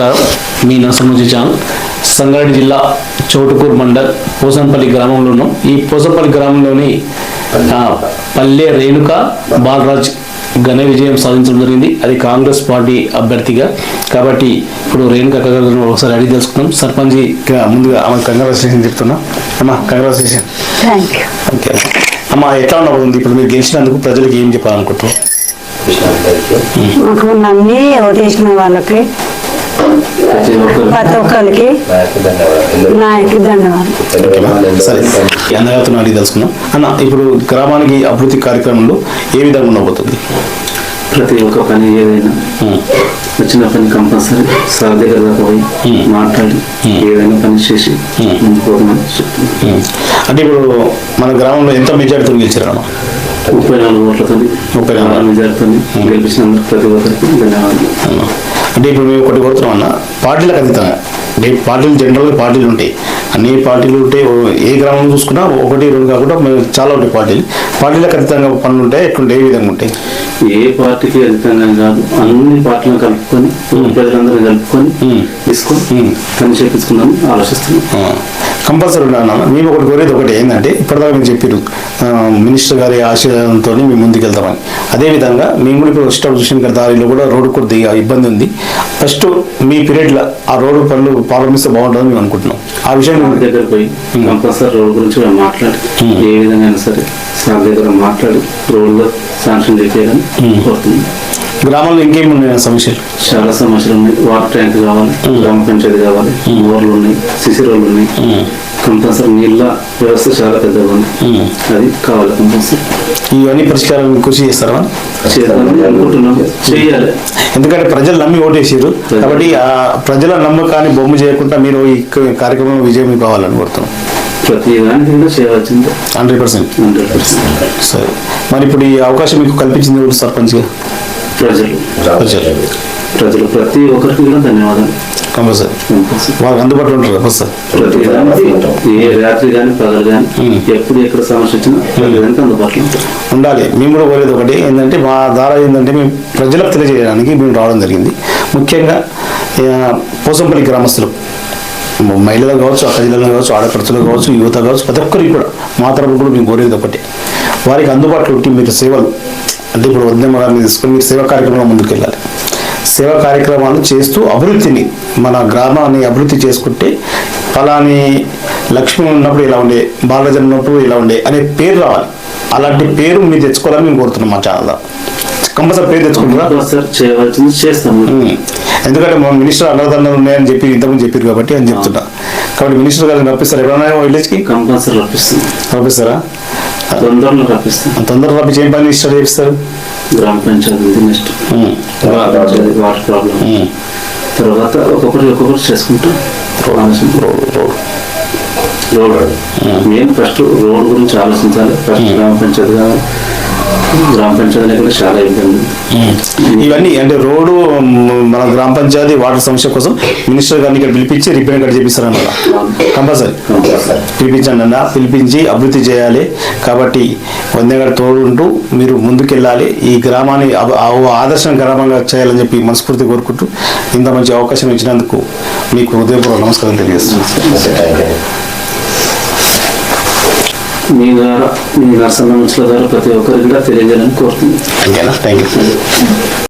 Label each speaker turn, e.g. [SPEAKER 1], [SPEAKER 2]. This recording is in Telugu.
[SPEAKER 1] నమస్కారం. మీ నరసింహజీ ఛానల్. సంగారెడ్డి జిల్లా చౌటుకూరు మండల్ పోసంపల్లి గ్రామంలో ఉన్నాం. ఈ పోసంపల్లి గ్రామంలోని పల్లె రేణుక బాలరాజ్ ఘన విజయం సాధించడం జరిగింది. అది కాంగ్రెస్ పార్టీ అభ్యర్థిగా. కాబట్టి ఇప్పుడు రేణుక ఒకసారి అడిగి తెలుసుకుందాం. సర్పంచ్ ముందుగా ఆమె కంగ్రాచులేషన్ చెప్తున్నా. అమ్మా కంగ్రాచులేషన్. ఓకే అమ్మా, ఎట్లా ఉండబోతుంది ఇప్పుడు మీరు గెలిచినందుకు? ప్రజలకు ఏం చెప్పాలనుకుంటున్నారు?
[SPEAKER 2] మాకు నమ్మి ఓటేసిన వాళ్ళకి ప్రతి ఒక్కరికి నాయకుడికి ధన్యవాదాలు.
[SPEAKER 1] సరే, అందరితో అడిగి తెలుసుకున్నాం. అన్న, ఇప్పుడు గ్రామానికి అభివృద్ధి కార్యక్రమంలో ఏ విధంగా ఉండబోతుంది?
[SPEAKER 3] ప్రతి ఒక్క పని ఏదైనా వచ్చిన పని కంపల్సరీ సార్ దగ్గర దాకా పోయి మాట్లాడి ఏదైనా పని చేసి పోతామని చెప్తున్నాను.
[SPEAKER 1] అంటే ఇప్పుడు మన గ్రామంలో ఎంత మెజారిటీతో గెలిచారు?
[SPEAKER 3] 34 ఓట్లతో 34 మెజారిటీతో గెలిపించినందుకు ప్రతి ఒక్కరికి ధన్యవాదాలు.
[SPEAKER 1] అంటే ఇప్పుడు మేము ఒకటి కోరుతున్నాం అన్న, పార్టీలకు అతీతంగా. అంటే పార్టీలు జనరల్గా పార్టీలు ఉంటాయి, అన్ని పార్టీలు ఉంటాయి. ఏ గ్రామం చూసుకున్నా ఒకటి రెండు కాకుండా చాలా ఉంటాయి పార్టీలకు అతీతంగా పనులు ఉంటాయి. ఎట్లుంటాయి, ఏ విధంగా ఉంటాయి?
[SPEAKER 3] ఏ పార్టీకి అధికంగా కాదు, అన్ని పార్టీలను కలుపుకొని ప్రజలందరూ కలుపుకొని తీసుకొని పని చేపించుకుందాం ఆలోచిస్తున్నాం.
[SPEAKER 1] కంపల్సరీ ఉన్నాను. మేము ఒకటి కోరేది ఒకటి ఏంటంటే, ఇప్పటిదాకా మీరు చెప్పారు మినిస్టర్ గారి ఆశయంతో మేము ముందుకు వెళ్తామని. అదేవిధంగా మేము కూడా ఇప్పుడు స్టాప్ చూసిన దారిలో కూడా రోడ్డు కొద్దిగా ఇబ్బంది ఉంది. ఫస్ట్ మీ పీరియడ్లో ఆ రోడ్డు పనులు ప్రారంభిస్తే బాగుంటుందని మేము అనుకుంటున్నాం. ఆ విషయం
[SPEAKER 3] దగ్గర పోయి కంపల్సరీ రోడ్డు గురించి కూడా మాట్లాడి ఏ విధంగా అయినా సరే సార్ దగ్గర మాట్లాడి రోడ్లో శాంక్షన్ చేయాలని కోరుతున్నాం.
[SPEAKER 1] గ్రామంలో ఇంకేమి ఉన్నాయి సమస్యలు?
[SPEAKER 3] చాలా సమస్యలు ఉన్నాయి. వాటర్ ట్యాంక్ కావాలి, గ్రామ పంచాయతీ కావాలి, బోర్లు ఉన్నాయి, సిసి రోడ్లు ఉన్నాయి. కంపల్సరీ నీళ్ళ వ్యవస్థ చాలా పెద్దగా ఉంది, అది కావాలి కంపల్సరీ.
[SPEAKER 1] ఇవన్నీ పరిష్కారం కృషి చేస్తారా?
[SPEAKER 3] చేయాలని అనుకుంటున్నాం, చేయాలి.
[SPEAKER 1] ఎందుకంటే ప్రజలు నమ్మి ఓటేసారు కాబట్టి ఆ ప్రజల నమ్మకాన్ని బొమ్మ చేయకుండా మీరు ఈ కార్యక్రమం విజయం కావాలని కోరుతున్నాం.
[SPEAKER 3] ప్రతి దానికి కూడా చేయవలసింది
[SPEAKER 1] 100%. సరే, మరి ఇప్పుడు ఈ అవకాశం మీకు కల్పించింది ఎవరు సర్పంచ్గా?
[SPEAKER 3] ప్రజలు ప్రతి ఒక్కరికి కూడా ధన్యవాదాలు.
[SPEAKER 1] కంపల్సరీ వాళ్ళకి అందుబాటులో ఉంటారు సార్.
[SPEAKER 3] ప్రతి దానికి ఏ రాత్రి కానీ పగలు కానీ ఎప్పుడు ఎక్కడ సమస్య వచ్చినా ప్రతి దానికి అందుబాటులో
[SPEAKER 1] ఉండాలి. మేము కూడా కోరేది ఒకటి ఏంటంటే, మా ద్వారా ఏంటంటే మేము ప్రజలకు తెలియజేయడానికి మేము రావడం జరిగింది. ముఖ్యంగా పోసంపల్లి గ్రామస్తులు, మహిళలు కావచ్చు, అక్క జిల్లాలో కావచ్చు, ఆడపడుచులు కావచ్చు, యువత కావచ్చు, ప్రతి ఒక్కరికి కూడా మా తరపున కూడా మేము కోరేది ఒకటి, వారికి అందుబాటులో ఉంటే మీరు సేవలు అంటే ఇప్పుడు ఉద్యమ గారిని తీసుకొని మీరు సేవా కార్యక్రమంలో ముందుకు వెళ్ళాలి. సేవా కార్యక్రమాలు చేస్తూ అభివృద్ధిని, మన గ్రామాన్ని అభివృద్ధి చేసుకుంటే ఫలాని లక్ష్మి ఉన్నప్పుడు ఇలా ఉండే, బాలరాజన్ ఉన్నప్పుడు ఇలా ఉండే అనే పేరు రావాలి. అలాంటి పేరు మీరు తెచ్చుకోవాలని మేము కోరుతున్నాం. మా ఛానల్లో కంపల్సరీ పేరు తెచ్చుకుంటున్నా
[SPEAKER 3] చేస్తాం.
[SPEAKER 1] ఎందుకంటే మా మినిస్టర్ అన్నదానాలు ఉన్నాయని చెప్పి ఇంతకుముందు చెప్పారు కాబట్టి అని చెప్తున్నా. కాబట్టి మినిస్టర్ గారిని రప్పిస్తారు ఎప్పుడైనా విలేజ్కి?
[SPEAKER 3] కంపల్సరీ రప్పిస్తారా?
[SPEAKER 1] తొందరగా రప్పించి ఏం పని స్టార్ట్ చేపిస్తారు?
[SPEAKER 3] గ్రామ పంచాయతీ నెక్స్ట్ వాటర్ ప్రాబ్లం, తర్వాత ఒక్కొక్కటి చేసుకుంటాం. రోడ్ మెయిన్ ఫస్ట్ రోడ్ గురించి ఆలోచించాలి. ఫస్ట్ గ్రామ పంచాయతీ కావాలి. గ్రామ పంచాయతీ కూడా చాలా ఇబ్బంది.
[SPEAKER 1] ఇవన్నీ అంటే రోడ్డు, మన గ్రామ పంచాయతీ వాటర్ సమస్య కోసం మినిస్టర్ గారిని ఇక్కడ పిలిపించి రిపేర్ కట్ చేపిస్తారన్నమాట. కంపల్సరీ పిలిపించండి అన్న, పిలిపించి అభివృద్ధి చేయాలి. కాబట్టి వందేగారు తోడుంటూ మీరు ముందుకెళ్ళాలి. ఈ గ్రామాన్ని ఆదర్శ గ్రామంగా చేయాలని చెప్పి మనస్ఫూర్తి కోరుకుంటూ ఇంత మంచి అవకాశం ఇచ్చినందుకు మీకు హృదయపూర్వక నమస్కారం తెలియజేస్తున్నాను.
[SPEAKER 3] మీ ద్వారా, మీ నరసింహ ద్వారా ప్రతి ఒక్కరికి కూడా తెలియజేయాలని కోరుతున్నాను.
[SPEAKER 1] Thank you.